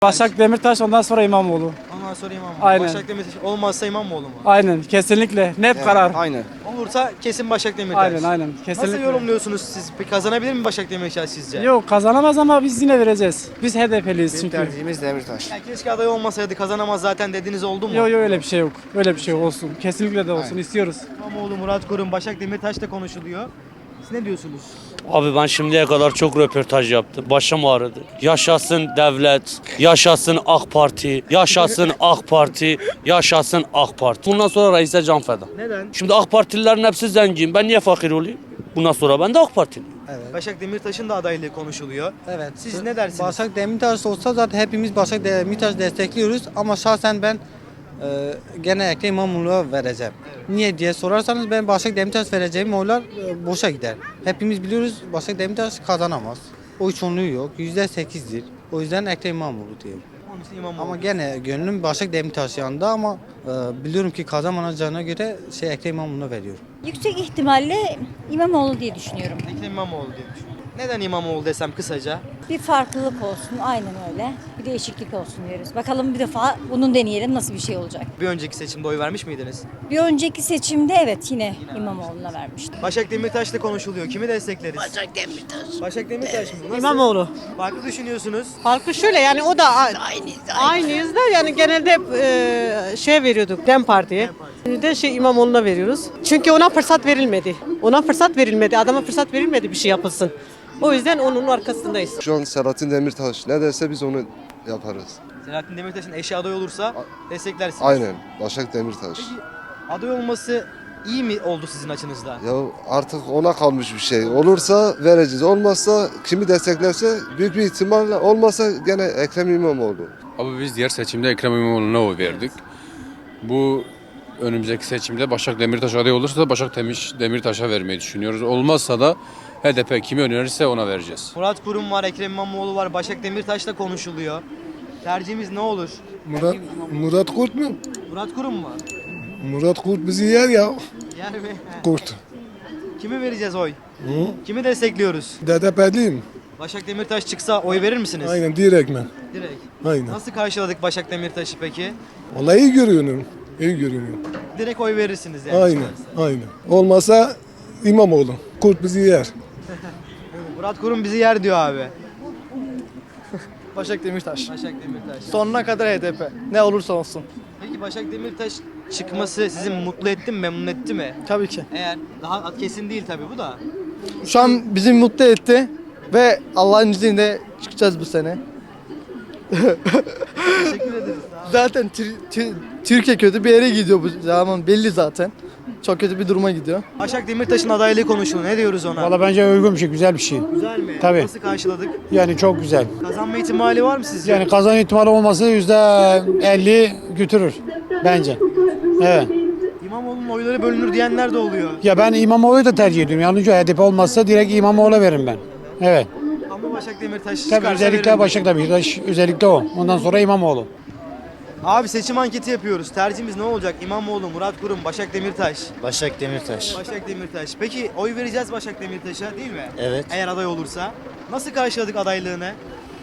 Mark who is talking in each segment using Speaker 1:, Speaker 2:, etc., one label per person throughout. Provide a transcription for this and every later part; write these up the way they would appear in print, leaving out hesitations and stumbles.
Speaker 1: Başak Demirtaş, ondan sonra İmamoğlu.
Speaker 2: Ondan sonra İmamoğlu.
Speaker 1: Aynen.
Speaker 2: Başak Demirtaş olmazsa İmamoğlu mu?
Speaker 1: Aynen, kesinlikle. Net karar.
Speaker 3: Aynen.
Speaker 2: Olursa kesin Başak Demirtaş.
Speaker 1: Aynen, kesinlikle.
Speaker 2: Nasıl yorumluyorsunuz siz? Peki kazanabilir mi Başak Demirtaş sizce?
Speaker 1: Yok, kazanamaz ama biz yine vereceğiz. Biz HDP'liyiz
Speaker 3: Bizim
Speaker 1: çünkü.
Speaker 3: tercihimiz Demirtaş.
Speaker 2: Ya keşke aday olmasaydı kazanamaz zaten dediğiniz oldu mu?
Speaker 1: Yok öyle bir şey yok. Öyle bir şey olsun. Kesinlikle de olsun istiyoruz.
Speaker 2: İmamoğlu, Murat Kurum, Başak Demirtaş da konuşuluyor. Siz ne diyorsunuz?
Speaker 4: Abi ben şimdiye kadar çok röportaj yaptım. Başım ağrıdı. Yaşasın devlet, yaşasın AK Parti, yaşasın AK Parti, yaşasın AK Parti. Bundan sonra reise can feda.
Speaker 2: Neden?
Speaker 4: Şimdi AK Partililerin hepsi zengin. Ben niye fakir olayım? Bundan sonra ben de AK Partiliyim.
Speaker 2: Başak Demirtaş'ın da adaylığı konuşuluyor.
Speaker 5: Evet.
Speaker 2: Siz ne dersiniz?
Speaker 5: Başak Demirtaş olsa zaten hepimiz Başak Demirtaş destekliyoruz ama şahsen ben genellikle İmamoğlu'na vereceğim. Niye diye sorarsanız ben Başak Demirtaş vereceğim oylar boşa gider. Hepimiz biliyoruz Başak Demirtaş kazanamaz. Oy çoğunluğu yok. %8'dir. O yüzden Ekrem İmamoğlu diyorum.
Speaker 2: Onun için İmamoğlu.
Speaker 5: Ama gene gönlüm Başak Demirtaş yanında ama biliyorum ki kazanamayacağına göre Ekrem İmamoğlu'na veriyorum.
Speaker 6: Yüksek ihtimalle İmamoğlu diye düşünüyorum.
Speaker 2: Ekrem İmamoğlu diye düşünüyorum. Neden İmamoğlu desem kısaca?
Speaker 6: Bir farklılık olsun, aynen öyle. Bir değişiklik olsun diyoruz. Bakalım bir defa bunu deneyelim nasıl bir şey olacak.
Speaker 2: Bir önceki seçimde oy vermiş miydiniz?
Speaker 6: Bir önceki seçimde evet yine İmamoğlu'na vermiştim.
Speaker 2: Başak Demirtaş da konuşuluyor. Kimi destekleriz? Başak Demirtaş. Başak Demirtaş mı? Nasıl?
Speaker 7: İmamoğlu.
Speaker 2: Farklı düşünüyorsunuz.
Speaker 7: Farkı şöyle yani o da aynıyız da yani genelde hep şey veriyorduk DEM Parti'ye. Bir de İmamoğlu'na veriyoruz. Çünkü ona fırsat verilmedi. Ona fırsat verilmedi. Adama fırsat verilmedi bir şey yapılsın. O yüzden onun arkasındayız.
Speaker 8: Şu an Selahattin Demirtaş ne derse biz onu yaparız.
Speaker 2: Selahattin Demirtaş'ın eşi aday olursa desteklersiniz.
Speaker 8: Aynen. Başak Demirtaş.
Speaker 2: Peki aday olması iyi mi oldu sizin açınızda?
Speaker 8: Ya artık ona kalmış bir şey. Olursa vereceğiz. Olmazsa kimi desteklerse büyük bir ihtimalle olmasa gene Ekrem İmamoğlu.
Speaker 9: Abi biz diğer seçimde Ekrem İmamoğlu'na oy verdik. Bu önümüzdeki seçimde Başak Demirtaş aday olursa da Başak Demirtaş'a vermeyi düşünüyoruz. Olmazsa da HDP kimi önerirse ona vereceğiz.
Speaker 2: Murat Kurum var, Ekrem İmamoğlu var, Başak Demirtaş da konuşuluyor. Tercihimiz ne olur?
Speaker 10: Murat Kurt mu?
Speaker 2: Murat Kurum mu?
Speaker 10: Murat Kurt bizi yer ya.
Speaker 2: Yani mi?
Speaker 10: Kurt.
Speaker 2: Kimi vereceğiz oy? Kimi destekliyoruz?
Speaker 10: DDP'liyim.
Speaker 2: Başak Demirtaş çıksa oy verir misiniz?
Speaker 10: Aynen direktmen.
Speaker 2: Direkt.
Speaker 10: Aynen.
Speaker 2: Nasıl karşıladık Başak Demirtaş'ı peki?
Speaker 10: Vallahi iyi görünüyorum. İyi görünüyor.
Speaker 2: Direkt oy verirsiniz yani.
Speaker 10: Aynen.
Speaker 2: çıkarsa.
Speaker 10: Aynen. Olmasa İmamoğlu. Kurt bizi yer.
Speaker 2: Murat Kurum bizi yer diyor abi.
Speaker 3: Başak Demirtaş.
Speaker 2: Başak Demirtaş.
Speaker 3: Sonuna kadar HDP. Ne olursa olsun.
Speaker 2: Peki Başak Demirtaş çıkması sizi mutlu etti mi, memnun etti mi?
Speaker 3: Tabii ki.
Speaker 2: Eğer daha kesin değil tabii bu da.
Speaker 3: Şu an bizi mutlu etti ve Allah'ın izniyle çıkacağız bu sene.
Speaker 2: Teşekkür ederiz.
Speaker 3: Zaten Türkiye kötü bir yere gidiyor bu zaman belli zaten. Çok kötü bir duruma gidiyor.
Speaker 2: Başak Demirtaş'ın adaylığı konuşuluyor. Ne diyoruz ona?
Speaker 1: Valla bence uygun bir şey, güzel bir şey.
Speaker 2: Güzel mi?
Speaker 1: Tabii.
Speaker 2: Nasıl karşıladık?
Speaker 1: Yani çok güzel.
Speaker 2: Kazanma ihtimali var mı sizce?
Speaker 1: Yani kazanma ihtimali olması %50 götürür bence. Evet.
Speaker 2: İmamoğlu'nun oyları bölünür diyenler de oluyor.
Speaker 1: Ya ben İmamoğlu'yu da tercih ediyorum. Yalnız HDP olmazsa direkt İmamoğlu'na veririm ben. Evet.
Speaker 2: Ama Başak Demirtaş
Speaker 1: Tabii
Speaker 2: çıkarsa
Speaker 1: özellikle
Speaker 2: veririm.
Speaker 1: Başak Demirtaş, özellikle o. Ondan sonra İmamoğlu.
Speaker 2: Abi seçim anketi yapıyoruz. Tercihimiz ne olacak? İmamoğlu, Murat Kurum, Başak Demirtaş.
Speaker 3: Başak Demirtaş.
Speaker 2: Başak Demirtaş. Peki oy vereceğiz Başak Demirtaş'a değil mi?
Speaker 3: Evet.
Speaker 2: Eğer aday olursa. Nasıl karşıladık adaylığını?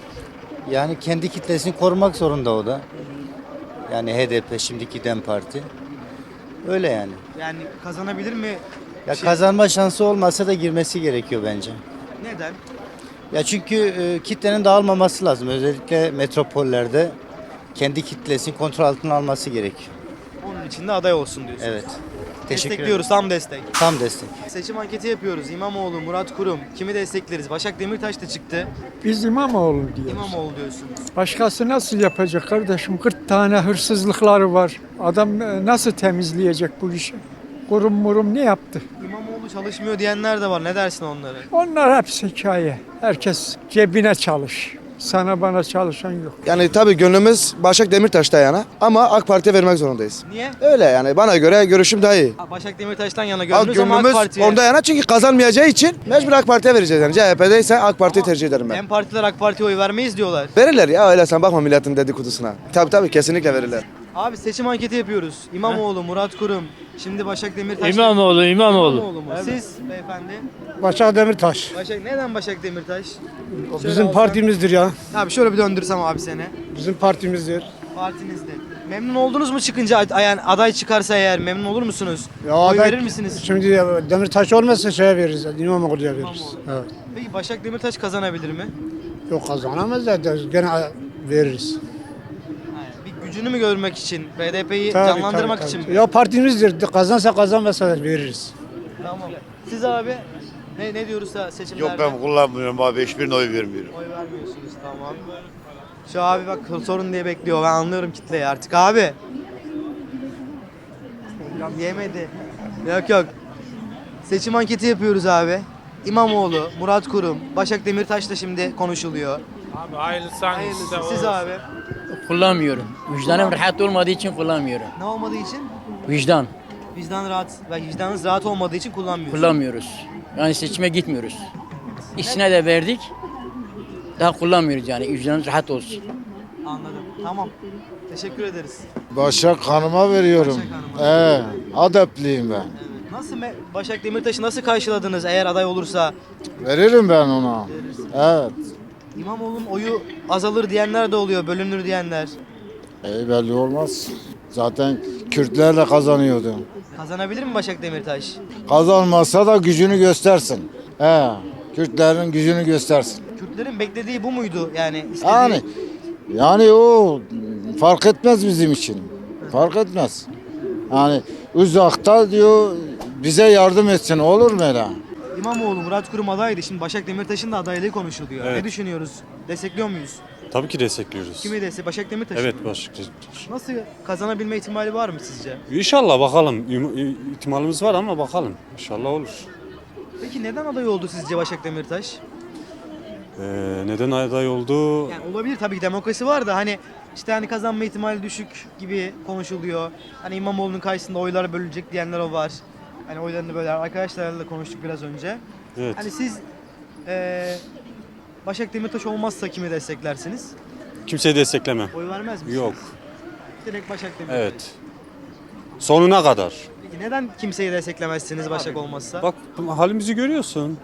Speaker 11: Yani kendi kitlesini korumak zorunda o da. Yani HDP şimdiki DEM Parti. Öyle yani.
Speaker 2: Yani kazanabilir mi?
Speaker 11: Ya kazanma şansı olmasa da girmesi gerekiyor bence.
Speaker 2: Neden?
Speaker 11: Ya çünkü kitlenin dağılmaması lazım. Özellikle metropollerde kendi kitlesini kontrol altına alması gerekiyor.
Speaker 2: Onun için de aday olsun diyorsunuz.
Speaker 11: Evet. Teşekkür ederim.
Speaker 2: Destekliyoruz, tam destek.
Speaker 11: Tam destek.
Speaker 2: Seçim anketi yapıyoruz. İmamoğlu, Murat Kurum. Kimi destekleriz? Başak Demirtaş da çıktı.
Speaker 10: Biz İmamoğlu diyoruz.
Speaker 2: İmamoğlu diyorsunuz.
Speaker 10: Başkası nasıl yapacak kardeşim? 40 tane hırsızlıkları var. Adam nasıl temizleyecek bu işi? Kurum murum ne yaptı?
Speaker 2: İmamoğlu çalışmıyor diyenler de var. Ne dersin onlara?
Speaker 10: Onlar hepsi hikaye. Herkes cebine çalış. Sana bana çalışan yok.
Speaker 3: Yani tabii gönlümüz Başak Demirtaş'ta yana ama AK Parti'ye vermek zorundayız.
Speaker 2: Niye?
Speaker 3: Öyle yani bana göre görüşüm daha iyi.
Speaker 2: Başak Demirtaş'tan yana
Speaker 3: Al
Speaker 2: gönlünüz ama AK
Speaker 3: gönlümüz
Speaker 2: Parti'ye.
Speaker 3: onda yana çünkü kazanmayacağı için mecbur AK Parti'ye vereceğiz yani. CHP'deyse AK Parti'yi tercih ederim ben.
Speaker 2: Hem partiler AK Parti'ye oy vermeyiz diyorlar.
Speaker 3: Verirler ya öyle sen bakma milletin dedikodusuna. Tabii kesinlikle verirler.
Speaker 2: Abi seçim anketi yapıyoruz. İmamoğlu, Murat Kurum. Şimdi Başak Demirtaş.
Speaker 4: İmamoğlu.
Speaker 2: İmamoğlu mu? Siz beyefendi.
Speaker 1: Başak Demirtaş.
Speaker 2: Neden Başak Demirtaş?
Speaker 1: Bizim partimizdir ya.
Speaker 2: Abi şöyle bir döndürsem abi seni.
Speaker 1: Bizim partimizdir.
Speaker 2: Partinizde. Memnun oldunuz mu çıkınca yani aday çıkarsa eğer memnun olur musunuz?
Speaker 1: Ya
Speaker 2: Oy
Speaker 1: aday-
Speaker 2: verir misiniz?
Speaker 1: Şimdi Demirtaş olmasa şeye veririz. İmamoğlu'ya veririz. Evet.
Speaker 2: Peki Başak Demirtaş kazanabilir mi?
Speaker 1: Yok kazanamaz da gene veririz.
Speaker 2: Bir gücünü mü görmek için, BDP'yi
Speaker 1: Tabii,
Speaker 2: canlandırmak
Speaker 1: tabii,
Speaker 2: için
Speaker 1: tabii.
Speaker 2: mi?
Speaker 1: Ya partimizdir. Kazansa kazanmasa da veririz.
Speaker 2: Tamam. Siz abi ne diyoruz da seçimlerde?
Speaker 12: Yok ben kullanmıyorum abi. Hiçbirine oy vermiyorum.
Speaker 2: Oy vermiyorsunuz, tamam. Şu abi bak sorun diye bekliyor. Ben anlıyorum kitleyi artık abi. Yemedi. Yok. Seçim anketi yapıyoruz abi. İmamoğlu, Murat Kurum, Başak Demirtaş da şimdi konuşuluyor.
Speaker 13: Abi hayırlısı
Speaker 2: Hayırlısı. Siz abi.
Speaker 5: Kullanmıyorum. Vicdanım rahat olmadığı için kullanmıyorum.
Speaker 2: Ne olmadığı için?
Speaker 5: Vicdan.
Speaker 2: Vicdanınız rahat olmadığı için kullanmıyorsunuz.
Speaker 5: Kullanmıyoruz. Yani seçime gitmiyoruz. İkisine de verdik. Daha kullanmıyoruz yani. Vicdanımız rahat olsun.
Speaker 2: Anladım. Tamam. Teşekkür ederiz.
Speaker 8: Başak Hanım'a veriyorum.
Speaker 2: Başak
Speaker 8: Adepliyim ben.
Speaker 2: Evet. Nasıl Başak Demirtaş'ı nasıl karşıladınız eğer aday olursa?
Speaker 8: Veririm ben ona. Evet.
Speaker 2: İmamoğlu'nun oyu azalır diyenler de oluyor, bölünür diyenler.
Speaker 8: Belli olmaz. Zaten Kürtlerle kazanıyordu.
Speaker 2: Kazanabilir mi Başak Demirtaş?
Speaker 8: Kazanmazsa da gücünü göstersin. Kürtlerin gücünü göstersin.
Speaker 2: Kürtlerin beklediği bu muydu yani? istediği-
Speaker 8: Yani o fark etmez bizim için. Fark etmez. Yani uzakta diyor bize yardım etsin, olur mu öyle?
Speaker 2: İmamoğlu, Murat Kurum adaydı. Şimdi Başak Demirtaş'ın da adaylığı konuşuluyor.
Speaker 13: Evet.
Speaker 2: Ne düşünüyoruz? Destekliyor muyuz?
Speaker 13: Tabii ki destekliyoruz.
Speaker 2: Kimi Başak Demirtaş.
Speaker 13: Evet Başak Demirtaş.
Speaker 2: Nasıl kazanabilme ihtimali var mı sizce?
Speaker 13: İnşallah bakalım. İhtimalimiz var ama bakalım. İnşallah olur.
Speaker 2: Peki neden aday oldu sizce Başak Demirtaş?
Speaker 13: Neden aday oldu?
Speaker 2: Yani olabilir tabii ki demokrasi var da hani işte hani kazanma ihtimali düşük gibi konuşuluyor. Hani İmamoğlu'nun karşısında oylar bölünecek diyenler o var. Hani oylarını böyle arkadaşlarla da konuştuk biraz önce.
Speaker 13: Evet.
Speaker 2: Hani siz Başak Demirtaş olmazsa kimi desteklersiniz?
Speaker 13: Kimseyi destekleme.
Speaker 2: Oy vermez misiniz?
Speaker 13: Yok.
Speaker 2: Direkt Başak Demirtaş.
Speaker 13: Evet. Sonuna kadar.
Speaker 2: Peki neden kimseyi desteklemezsiniz Başak olmazsa?
Speaker 13: Bak halimizi görüyorsun.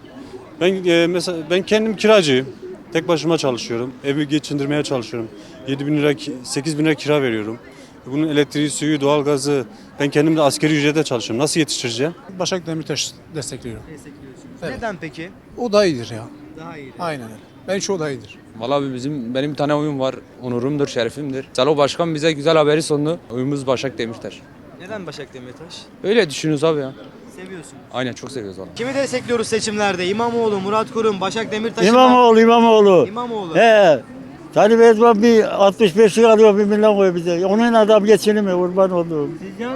Speaker 13: Mesela ben kendim kiracıyım. Tek başıma çalışıyorum. Evi geçindirmeye çalışıyorum. 7.000 lira, 8.000 lira kira veriyorum. Bunun elektriği, suyu, doğalgazı. Ben kendim de asgari ücrete çalışıyorum. Nasıl yetiştireceğim?
Speaker 1: Başak Demirtaş destekliyorum.
Speaker 2: Destekliyorsunuz.
Speaker 1: Evet.
Speaker 2: Neden peki?
Speaker 1: O da iyidir ya.
Speaker 2: Daha iyi.
Speaker 1: Aynen öyle. Ben şu da iyidir.
Speaker 12: Valla benim bir tane oyum var. Onurumdur, şerefimdir. Salo Başkan bize güzel haberi sundu. Oyumuz Başak Demirtaş.
Speaker 2: Neden Başak Demirtaş?
Speaker 12: Öyle düşünüyoruz abi ya.
Speaker 2: Seviyorsun.
Speaker 12: Aynen çok seviyoruz valla.
Speaker 2: Kimi destekliyoruz seçimlerde? İmamoğlu, Murat Kurum, Başak Demirtaş.
Speaker 1: İmamoğlu.
Speaker 2: İmamoğlu.
Speaker 1: Talip Erdoğan bir 65'lik alıyor 1 milyon koyuyor bize. Onun adam geçinemiyor kurban olduğum.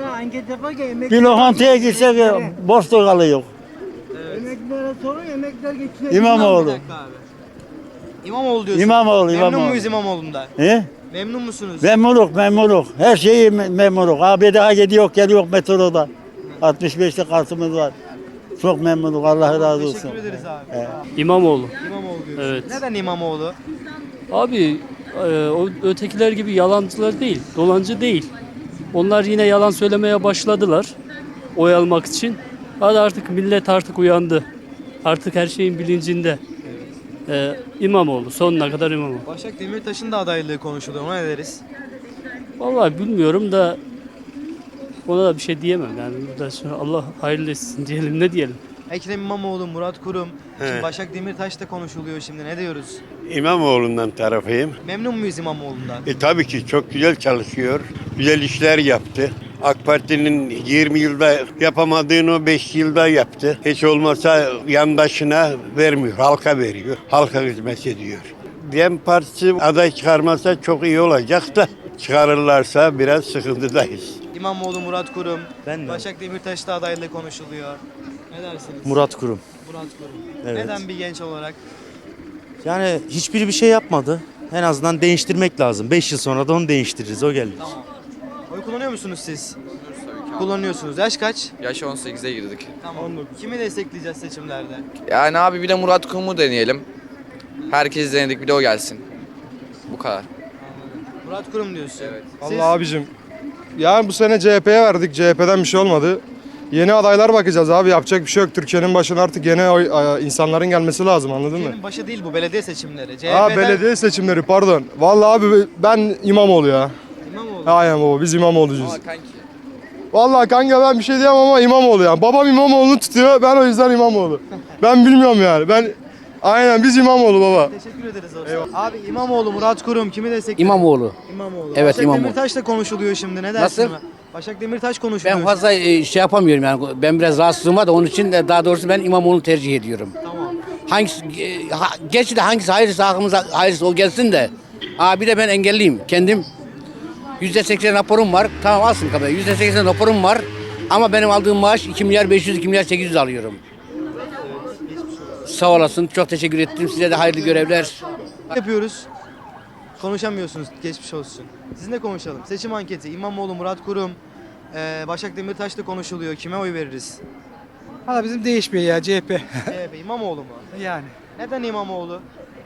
Speaker 1: Bir lokantaya gitsek boş da kalıyor.
Speaker 3: Emeklilere sorun, emekliler geçiyor.
Speaker 1: İmamoğlu.
Speaker 2: Bir dakika abi. İmamoğlu diyorsun.
Speaker 1: İmamoğlu.
Speaker 2: Memnun muyuz İmamoğlu'ndan?
Speaker 1: He?
Speaker 2: Memnun musunuz?
Speaker 1: Memnunluk. Her şeyi memnunluk. Abi daha gidiyor geliyor metroda. 65'lik kartımız var. Çok memnunum. Allah razı olsun.
Speaker 2: Teşekkür ederiz abi.
Speaker 4: İmamoğlu.
Speaker 2: İmamoğlu diyorsun.
Speaker 4: Evet.
Speaker 2: Neden İmamoğlu?
Speaker 4: Abi o ötekiler gibi yalancılar değil, dolancı değil. Onlar yine yalan söylemeye başladılar oy almak için. Hadi artık millet artık uyandı. Artık her şeyin bilincinde. İmamoğlu, sonuna kadar İmamoğlu.
Speaker 2: Başak Demirtaş'ın da adaylığı konuşuluyor. Ona ne deriz?
Speaker 4: Vallahi bilmiyorum da ona da bir şey diyemem yani. Burada şimdi Allah hayırlı etsin diyelim, ne diyelim.
Speaker 2: Ekrem İmamoğlu, Murat Kurum. Şimdi Başak Demirtaş da konuşuluyor şimdi. Ne diyoruz?
Speaker 12: İmamoğlu'ndan tarafıyım.
Speaker 2: Memnun muyuz İmamoğlu'ndan?
Speaker 12: Tabii ki çok güzel çalışıyor. Güzel işler yaptı. AK Parti'nin 20 yılda yapamadığını o 5 yılda yaptı. Hiç olmazsa yandaşına vermiyor, halka veriyor. Halka hizmet ediyor. DEM Partisi aday çıkarmasa çok iyi olacak da çıkarırlarsa biraz sıkıntıdayız.
Speaker 2: İmamoğlu, Murat Kurum. Başak Demirtaş da adaylığı konuşuluyor. Ne dersiniz?
Speaker 14: Murat Kurum.
Speaker 2: Murat Kurum.
Speaker 14: Evet.
Speaker 2: Neden bir genç olarak?
Speaker 14: Yani hiçbiri bir şey yapmadı. En azından değiştirmek lazım. 5 yıl sonra da onu değiştiririz. O geldi.
Speaker 2: Tamam. Oy kullanıyor musunuz siz? Kullanıyorsunuz. Yaş kaç?
Speaker 12: Yaş 18'e girdik.
Speaker 2: Tamam. Kimi destekleyeceğiz seçimlerde?
Speaker 12: Yani abi bir de Murat Kurum'u deneyelim. Herkes denedik, bir de o gelsin. Bu kadar.
Speaker 2: Murat Kurum diyorsun. Evet.
Speaker 3: Vallahi abicim yani bu sene CHP'ye verdik. CHP'den bir şey olmadı. Yeni adaylar bakacağız abi. Yapacak bir şey yok. Türkiye'nin başına artık yeni insanların gelmesi lazım, anladın mı?
Speaker 2: Türkiye'nin başı değil bu belediye seçimleri.
Speaker 3: Ha, belediye seçimleri, pardon. Vallahi abi ben İmamoğlu ya.
Speaker 2: İmamoğlu.
Speaker 3: Aynen baba, biz İmamoğlu'cuyuz. Vallahi kanka ben bir şey diyemem ama İmamoğlu ya. Babam İmamoğlu'nu tutuyor. Ben o yüzden İmamoğlu. Ben bilmiyorum yani. Aynen biz İmamoğlu baba.
Speaker 2: Teşekkür ederiz olsun. Abi İmamoğlu, Murat Kurum kimi destekliyor?
Speaker 15: İmamoğlu.
Speaker 2: İmamoğlu.
Speaker 15: Evet,
Speaker 2: Başak
Speaker 15: İmamoğlu.
Speaker 2: Demirtaş da konuşuluyor şimdi. Ne dersin?
Speaker 15: Nasıl?
Speaker 2: Başak Demirtaş konuşuluyor.
Speaker 15: Ben fazla şey yapamıyorum yani. Ben biraz rahatsızlığım var da onun için de daha doğrusu ben İmamoğlu'nu tercih ediyorum.
Speaker 2: Tamam.
Speaker 15: Hangisi, gerçi de hangisi hayırlısı aklımıza hayırlısı o gelsin de. Bir de ben engelliyim. Kendim %80 raporum var. Tamam alsın kadar. %80 raporum var. Ama benim aldığım maaş 2 milyar 500, 2 milyar 800 alıyorum. Sağ olasın. Çok teşekkür ettim. Size de hayırlı görevler.
Speaker 2: Yapıyoruz. Konuşamıyorsunuz. Geçmiş olsun. Sizinle konuşalım. Seçim anketi. İmamoğlu, Murat Kurum, Başak Demirtaş da konuşuluyor. Kime oy veririz?
Speaker 5: Valla bizim değişmiyor ya CHP.
Speaker 2: CHP, İmamoğlu mu?
Speaker 5: Yani.
Speaker 2: Neden İmamoğlu?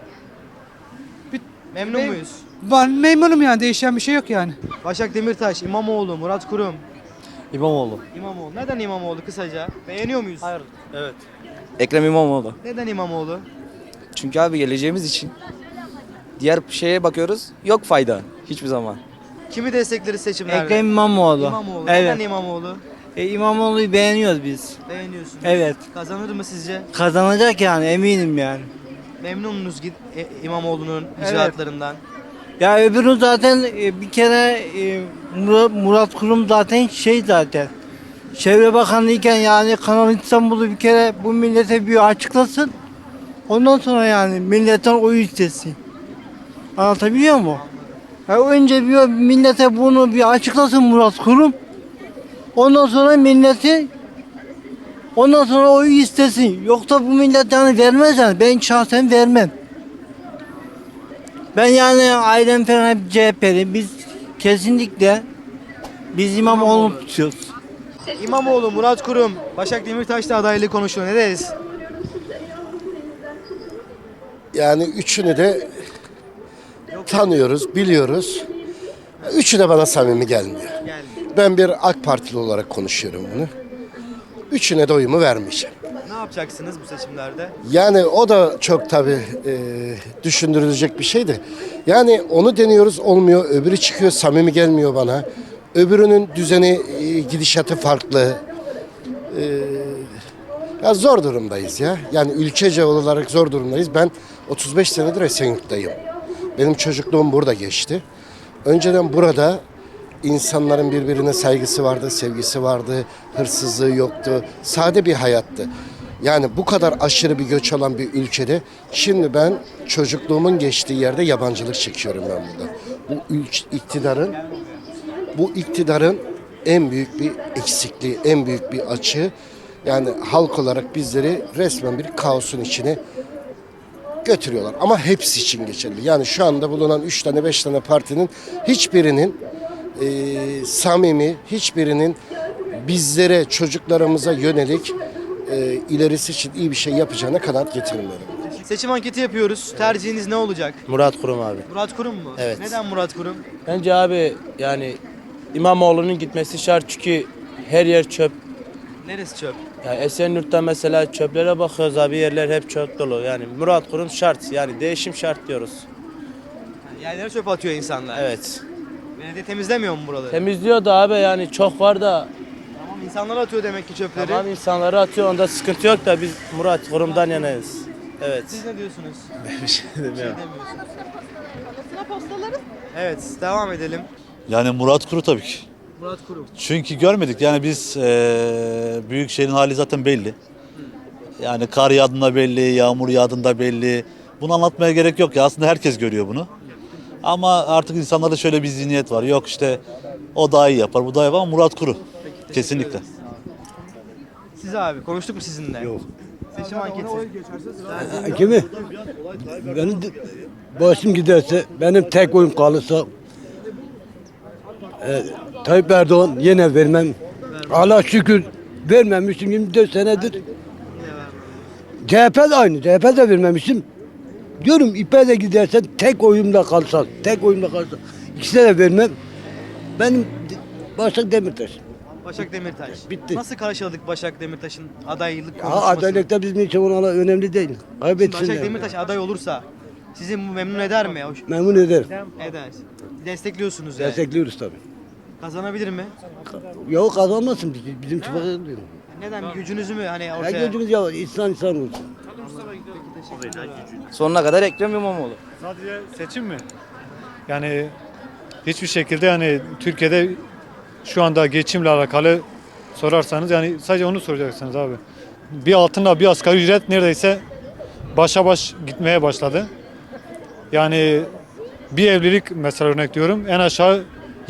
Speaker 2: Memnun muyuz?
Speaker 5: Ben memnunum yani, değişen bir şey yok yani.
Speaker 2: Başak Demirtaş, İmamoğlu, Murat Kurum.
Speaker 5: İmamoğlu.
Speaker 2: İmamoğlu. Neden İmamoğlu kısaca? Beğeniyor muyuz? Hayır.
Speaker 5: Evet. Ekrem İmamoğlu.
Speaker 2: Neden İmamoğlu?
Speaker 5: Çünkü abi geleceğimiz için. Diğer şeye bakıyoruz, yok fayda hiçbir zaman.
Speaker 2: Kimi destekleriz seçimlerde?
Speaker 5: İmamoğlu.
Speaker 2: İmamoğlu.
Speaker 5: Evet.
Speaker 2: Neden İmamoğlu?
Speaker 5: İmamoğlu'yu beğeniyoruz biz.
Speaker 2: Beğeniyorsunuz.
Speaker 5: Evet.
Speaker 2: Kazanır mı sizce?
Speaker 5: Kazanacak yani, eminim yani.
Speaker 2: Memnun musunuz İmamoğlu'nun icraatlarından?
Speaker 5: Ya öbürü zaten bir kere Murat Kurum zaten zaten. Çevre Bakanı iken yani Kanal İstanbul'u bir kere bu millete bir açıklasın. Ondan sonra yani milletten oy istesin. Anlatabiliyor muyum? Önce bir millete bunu bir açıklasın Murat Kurum. Ondan sonra oyu istesin. Yoksa bu millet yani vermez yani. Ben şahsen vermem. Ben yani ailem falan hep CHP'li. Biz kesinlikle İmamoğlu'nu tutuyoruz.
Speaker 2: İmamoğlu, Murat Kurum, Başak Demirtaş da adaylığı konuşuyor. Ne deriz?
Speaker 16: Yani üçünü de tanıyoruz, biliyoruz. Üçü de bana samimi gelmiyor. Ben bir AK Partili olarak konuşuyorum bunu. Üçüne de oyumu vermeyeceğim.
Speaker 2: Ne yapacaksınız bu seçimlerde?
Speaker 16: Yani o da çok tabii düşündürülecek bir şeydi. Yani onu deniyoruz, olmuyor. Öbürü çıkıyor, samimi gelmiyor bana. Öbürünün düzeni, gidişatı farklı. Ya zor durumdayız ya. Yani ülkece olarak zor durumdayız. Ben 35 senedir Esenyurt'tayım. Benim çocukluğum burada geçti. Önceden burada insanların birbirine saygısı vardı, sevgisi vardı, hırsızlığı yoktu. Sade bir hayattı. Yani bu kadar aşırı bir göç olan bir ülkede şimdi ben çocukluğumun geçtiği yerde yabancılık çekiyorum ben burada. Bu iktidarın en büyük bir eksikliği, en büyük bir açığı. Yani halk olarak bizleri resmen bir kaosun içine götürüyorlar. Ama hepsi için geçerli. Yani şu anda bulunan 3 tane 5 tane partinin hiçbirinin samimi, hiçbirinin bizlere, çocuklarımıza yönelik ilerisi için iyi bir şey yapacağına kanaat getirmiyorum.
Speaker 2: Seçim anketi yapıyoruz. Tercihiniz ne olacak?
Speaker 5: Murat Kurum abi.
Speaker 2: Murat Kurum mu?
Speaker 5: Evet.
Speaker 2: Neden Murat Kurum?
Speaker 5: Bence abi yani İmamoğlu'nun gitmesi şart çünkü her yer çöp.
Speaker 2: Neresi çöp?
Speaker 5: Yani Esenyurt'ta mesela çöplere bakıyoruz abi, yerler hep çöp dolu. Yani Murat Kurum şart, yani değişim şart diyoruz.
Speaker 2: Yani yerlere çöp atıyor insanlar.
Speaker 5: Evet.
Speaker 2: Belediye temizlemiyor mu buraları?
Speaker 5: Temizliyor da abi, yani çok var da
Speaker 2: Tamam, insanlar atıyor demek ki çöpleri.
Speaker 5: tamam, insanları atıyor, onda sıkıntı yok da biz Murat Kurum'dan yanayız. Evet.
Speaker 2: Siz ne diyorsunuz?
Speaker 5: Bir şey demiyorum.
Speaker 2: Evet, devam edelim.
Speaker 17: Yani Murat Kuru tabii ki.
Speaker 2: Murat Kurum.
Speaker 17: Çünkü görmedik yani biz Büyükşehir'in hali zaten belli. Yani kar yağdığında belli, yağmur yağdığında belli. Bunu anlatmaya gerek yok ya, aslında herkes görüyor bunu. Ama artık insanlarda şöyle bir zihniyet var. Yok işte o daha iyi yapar, bu daha iyi yapar ama Murat Kuru. Kesinlikle.
Speaker 2: Siz abi konuştuk mu sizinle? Yok. Seçim anketi.
Speaker 5: Kimi? Benim başım giderse, benim tek oyum kalırsa Tayyip Erdoğan yine vermem. Allah şükür vermemişim 24 senedir. CHP de aynı. CHP de vermemişim. Diyorum İP'e de gidersen tek oyumla kalsa. İkisine de vermem. Benim Başak Demirtaş.
Speaker 2: Başak Demirtaş.
Speaker 18: Bitti.
Speaker 2: Nasıl karşıladık Başak Demirtaş'ın adaylık
Speaker 18: Ya
Speaker 2: konuşmasını?
Speaker 18: adaylıkta bizim için ona önemli değil.
Speaker 2: Şimdi
Speaker 18: Kaybetsinler.
Speaker 2: Başak Demirtaş aday olursa sizi bu memnun eder mi?
Speaker 18: Memnun eder.
Speaker 2: Eder. Destekliyorsunuz yani.
Speaker 18: Destekliyoruz tabii.
Speaker 2: Kazanabilir mi?
Speaker 18: Yok kazanmasın bizim çıplak diyor.
Speaker 2: Neden? Bir gücünüzü mü hani
Speaker 18: Ya
Speaker 2: ortaya?
Speaker 18: gözümüz ya insan olsun.
Speaker 19: Sonuna kadar Ekrem İmamoğlu.
Speaker 13: Sadece seçim mi? Yani hiçbir şekilde yani Türkiye'de şu anda geçimle alakalı sorarsanız yani sadece onu soracaksınız abi. Bir altınla bir asgari ücret neredeyse başa baş gitmeye başladı. Yani bir evlilik mesela örnek diyorum en aşağı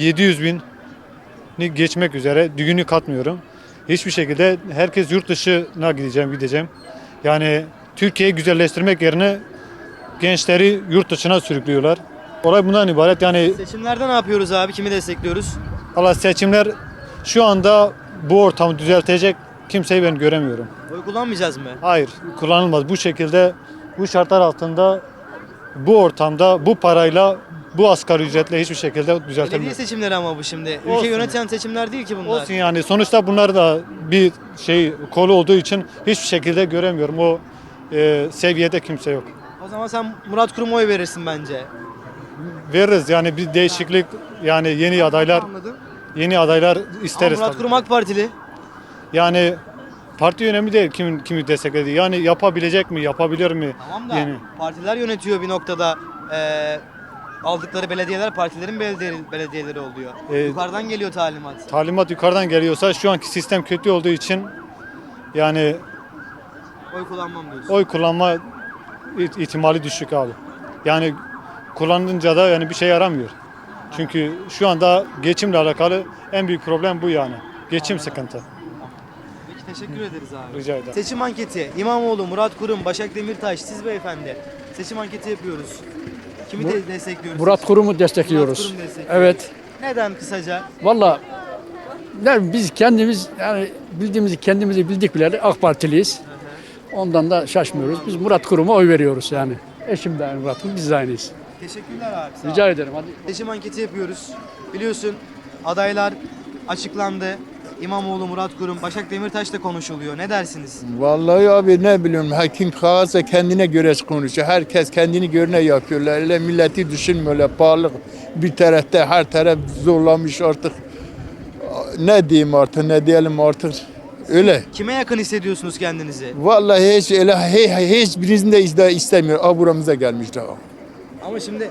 Speaker 13: 700.000'ni geçmek üzere, düğünü katmıyorum. Hiçbir şekilde herkes yurt dışına gideceğim. Yani Türkiye'yi güzelleştirmek yerine gençleri yurt dışına sürüklüyorlar. Olay bundan ibaret yani.
Speaker 2: Seçimlerde ne yapıyoruz abi? Kimi destekliyoruz?
Speaker 13: Allah seçimler şu anda bu ortamı düzeltecek kimseyi ben göremiyorum.
Speaker 2: Oy kullanmayacağız mı?
Speaker 13: Hayır, kullanılmaz. Bu şekilde, bu şartlar altında, bu ortamda, bu parayla, bu asgari ücretle hiçbir şekilde
Speaker 2: Belediye
Speaker 13: düzeltilmez.
Speaker 2: seçimleri ama bu şimdi.
Speaker 13: Olsun.
Speaker 2: Ülke yöneten seçimler değil ki bunlar.
Speaker 13: Olsun yani sonuçta bunlar da bir kolu olduğu için hiçbir şekilde göremiyorum. O seviyede kimse yok.
Speaker 2: O zaman sen Murat Kurum'a oy verirsin bence.
Speaker 13: Veririz yani bir değişiklik yani
Speaker 2: Anladım.
Speaker 13: yeni adaylar
Speaker 2: Ama
Speaker 13: isteriz
Speaker 2: Murat
Speaker 13: tabii.
Speaker 2: Kurum AK Partili.
Speaker 13: Yani parti önemli değil kimi desteklediği. Yani yapabilecek mi, yapabilir mi?
Speaker 2: Tamam da
Speaker 13: Yeni.
Speaker 2: partiler yönetiyor bir noktada. Aldıkları belediyeler partilerin belediyeleri oluyor. Yukarıdan geliyor talimat.
Speaker 13: Talimat yukarıdan geliyorsa şu anki sistem kötü olduğu için yani
Speaker 2: Oy kullanmam diyorsun.
Speaker 13: oy kullanma ihtimali düşük abi. Yani kullanınca da yani bir şey yaramıyor. Çünkü şu anda geçimle alakalı en büyük problem bu yani. Geçim sıkıntı.
Speaker 2: Peki teşekkür ederiz abi.
Speaker 13: Rica ederim.
Speaker 2: Seçim anketi. İmamoğlu, Murat Kurum, Başak Demirtaş, siz beyefendi. Seçim anketi yapıyoruz. Kimi destekliyoruz?
Speaker 10: Murat Kurum'u destekliyoruz.
Speaker 2: Murat Kurum destekliyoruz.
Speaker 10: Evet.
Speaker 2: Neden kısaca?
Speaker 10: Valla biz kendimiz yani kendimizi bildik bileli AK Partiliyiz. Ondan da şaşmıyoruz. Biz Murat Kurum'a oy veriyoruz yani. Eşim de Murat Kurum, biz de aynıyız.
Speaker 2: Teşekkürler abi. Sağ
Speaker 10: Rica
Speaker 2: ol.
Speaker 10: ederim. Hadi.
Speaker 2: Seçim anketi yapıyoruz. Biliyorsun adaylar açıklandı. İmamoğlu, Murat Kurum, Başak Demirtaş da konuşuluyor. Ne dersiniz?
Speaker 20: Vallahi abi ne bileyim kim kağıtsa kendine göre konuşuyor. Herkes kendini görene yapıyorlar. Öyle milleti düşünmüyorlar. Pahalılık bir tarafta her taraf zorlamış artık. Ne diyeyim artık ne diyelim artık. Öyle.
Speaker 2: Kime yakın hissediyorsunuz kendinizi?
Speaker 20: Vallahi hiçbirisini de istemiyor. Buramıza gelmişler.
Speaker 2: Ama şimdi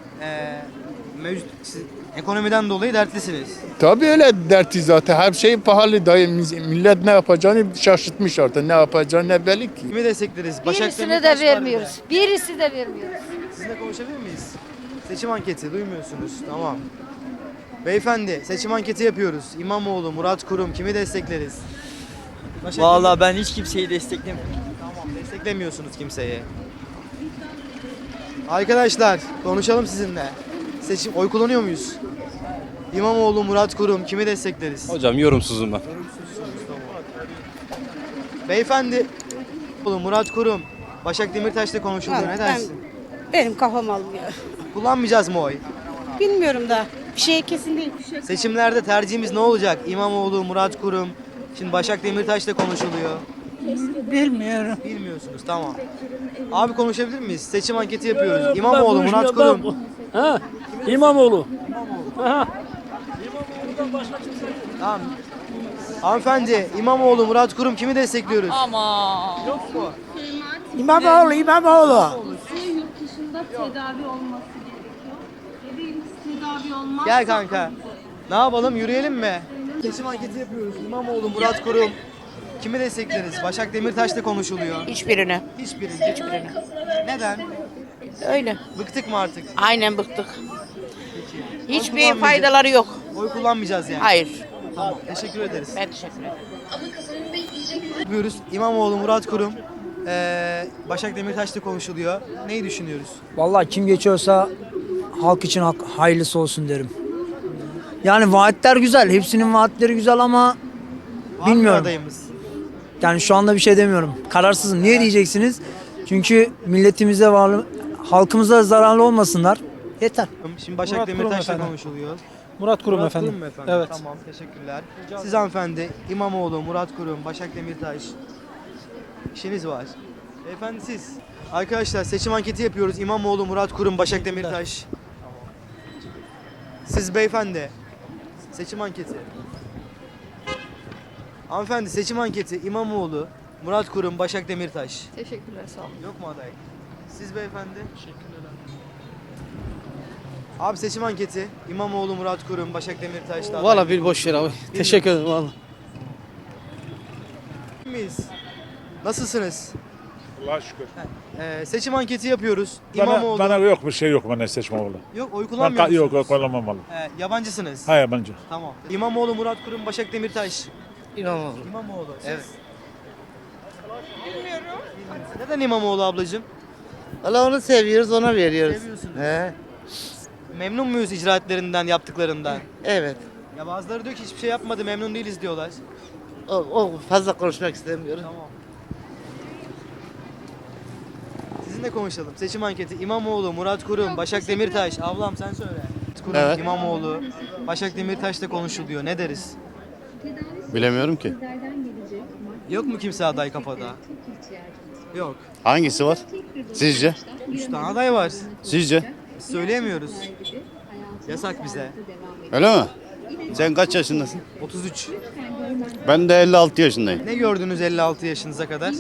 Speaker 2: mevcut siz ekonomiden dolayı dertlisiniz.
Speaker 20: Tabii öyle dertli zaten. Her şey pahalı. Dayı, millet ne yapacağını şaşırtmış artık. Ne yapacağını ne belli ki.
Speaker 2: Kimi destekleriz? Başak
Speaker 21: Birisini
Speaker 2: Demirtaş
Speaker 21: de
Speaker 2: var
Speaker 21: vermiyoruz. Birisi de vermiyoruz.
Speaker 2: Sizinle konuşabilir miyiz? Seçim anketi duymuyorsunuz. Tamam. Beyefendi seçim anketi yapıyoruz. İmamoğlu, Murat Kurum kimi destekleriz?
Speaker 19: Vallahi ben hiç kimseyi desteklemiyorum.
Speaker 2: Tamam desteklemiyorsunuz kimseyi. Arkadaşlar konuşalım sizinle. Seçim oy kullanıyor muyuz? İmamoğlu, Murat Kurum kimi destekleriz?
Speaker 9: Hocam yorumsuzum ben.
Speaker 2: Beyefendi Murat Kurum, Başak Demirtaş'la konuşuluyor. Ne dersin?
Speaker 7: Benim kafam almıyor.
Speaker 2: Kullanmayacağız mı oy?
Speaker 7: Bilmiyorum da. Bir şey kesin değil.
Speaker 2: Seçimlerde tercihimiz ne olacak? İmamoğlu, Murat Kurum. Şimdi Başak Demirtaş'la konuşuluyor.
Speaker 1: Bilmiyorum.
Speaker 2: Bilmiyorsunuz tamam. Abi konuşabilir miyiz? Seçim anketi yapıyoruz. İmamoğlu, Murat Kurum.
Speaker 4: Ha, İmamoğlu.
Speaker 2: Tamam. Hanımefendi, İmamoğlu, Murat Kurum kimi destekliyoruz?
Speaker 21: Ama.
Speaker 2: Yok mu?
Speaker 1: İmamoğlu.
Speaker 21: Yurt dışında tedavi olması gerekiyor. Bebeğimiz tedavi olmaz.
Speaker 2: Gel kanka. Ne yapalım? Yürüyelim mi? Seçim anketi yapıyoruz. İmamoğlu, Murat Kurum. Kimi destekleriz? Başak Demirtaş'la konuşuluyor.
Speaker 7: Hiçbirini.
Speaker 2: Hiçbirini. Neden?
Speaker 7: Öyle.
Speaker 2: Bıktık mı artık?
Speaker 7: Aynen bıktık.
Speaker 2: Hiçbir kullanmayacağız.
Speaker 7: faydaları yok.
Speaker 2: Oy kullanmayacağız yani.
Speaker 7: Hayır.
Speaker 2: Tamam. Teşekkür ederiz.
Speaker 7: Ben teşekkür ederim.
Speaker 2: Yapıyoruz. İmamoğlu, Murat Kurum. Başak Demirtaş'la konuşuluyor. Neyi düşünüyoruz?
Speaker 1: Vallahi kim geçiyorsa halk için hayırlısı olsun derim. Yani vaatler güzel. Hepsinin vaatleri güzel ama
Speaker 2: Var mı
Speaker 1: bilmiyorum.
Speaker 2: adayımız?
Speaker 1: Yani şu anda bir şey demiyorum. Kararsızım. Niye diyeceksiniz? Çünkü milletimize halkımıza zararlı olmasınlar. Yeter.
Speaker 2: Şimdi Başak
Speaker 1: Murat Kurum
Speaker 2: Demirtaş'la
Speaker 1: efendim.
Speaker 2: konuşuluyor.
Speaker 6: Murat Kurum
Speaker 2: Murat
Speaker 6: efendim.
Speaker 2: Kurum mu efendim?
Speaker 6: Evet.
Speaker 2: Tamam, teşekkürler. Siz hanımefendi, İmamoğlu, Murat Kurum, Başak Demirtaş. İşiniz var. Beyefendi siz. Arkadaşlar seçim anketi yapıyoruz. İmamoğlu, Murat Kurum, Başak Demirtaş. Siz beyefendi. Seçim anketi. Hanımefendi seçim anketi. İmamoğlu, Murat Kurum, Başak Demirtaş.
Speaker 21: Teşekkürler, sağ olun.
Speaker 2: Yok mu aday? Siz beyefendi? Teşekkürler. Abi seçim anketi. İmamoğlu, Murat Kurum, Başak Demirtaş. da aday.
Speaker 6: Valla bir boş ver abi. Teşekkür ederim valla.
Speaker 2: Miyiz? Nasılsınız?
Speaker 22: Allah'a şükür.
Speaker 2: Seçim anketi yapıyoruz. İmamoğlu.
Speaker 22: Bana yok bir şey yok bana seçme oğlu.
Speaker 2: Yok oy kullanmıyor
Speaker 22: Yok
Speaker 2: musunuz?
Speaker 22: kullanmamalı.
Speaker 2: Yabancısınız.
Speaker 22: Ha yabancı.
Speaker 2: Tamam. İmamoğlu, Murat Kurum, Başak Demirtaş.
Speaker 6: İmamoğlu.
Speaker 2: İmamoğlu. Siz?
Speaker 6: Evet.
Speaker 2: Bilmiyorum. Neden İmamoğlu ablacığım?
Speaker 6: Valla onu seviyoruz, ona veriyoruz.
Speaker 2: Seviyorsunuz.
Speaker 6: He.
Speaker 2: Memnun muyuz icraatlerinden, yaptıklarından?
Speaker 6: Evet.
Speaker 2: Ya bazıları diyor ki hiçbir şey yapmadı, memnun değiliz diyorlar.
Speaker 6: O fazla konuşmak istemiyorum.
Speaker 2: Tamam. Sizinle konuşalım. Seçim anketi. İmamoğlu, Murat Kurum, Başak Demirtaş. Ablam sen söyle. Murat Kurum,
Speaker 23: Evet.
Speaker 2: İmamoğlu, Başak Demirtaş'la konuşuluyor. Ne deriz?
Speaker 23: Bilemiyorum ki.
Speaker 2: Yok mu kimse aday kafada? Yok.
Speaker 23: Hangisi var? Sizce?
Speaker 2: 3 tane aday var.
Speaker 23: Sizce?
Speaker 2: Söyleyemiyoruz. Yasak bize.
Speaker 23: Öyle mi? Sen kaç yaşındasın?
Speaker 2: 33.
Speaker 23: Ben de 56 yaşındayım.
Speaker 2: Ne gördünüz 56 yaşınıza kadar?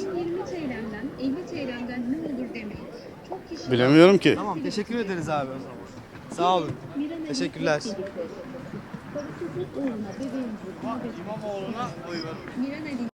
Speaker 23: Bilemiyorum ki.
Speaker 2: Tamam, teşekkür ederiz abi o zaman. Sağ olun. Teşekkürler.
Speaker 21: İmamoğlu'na oy ver.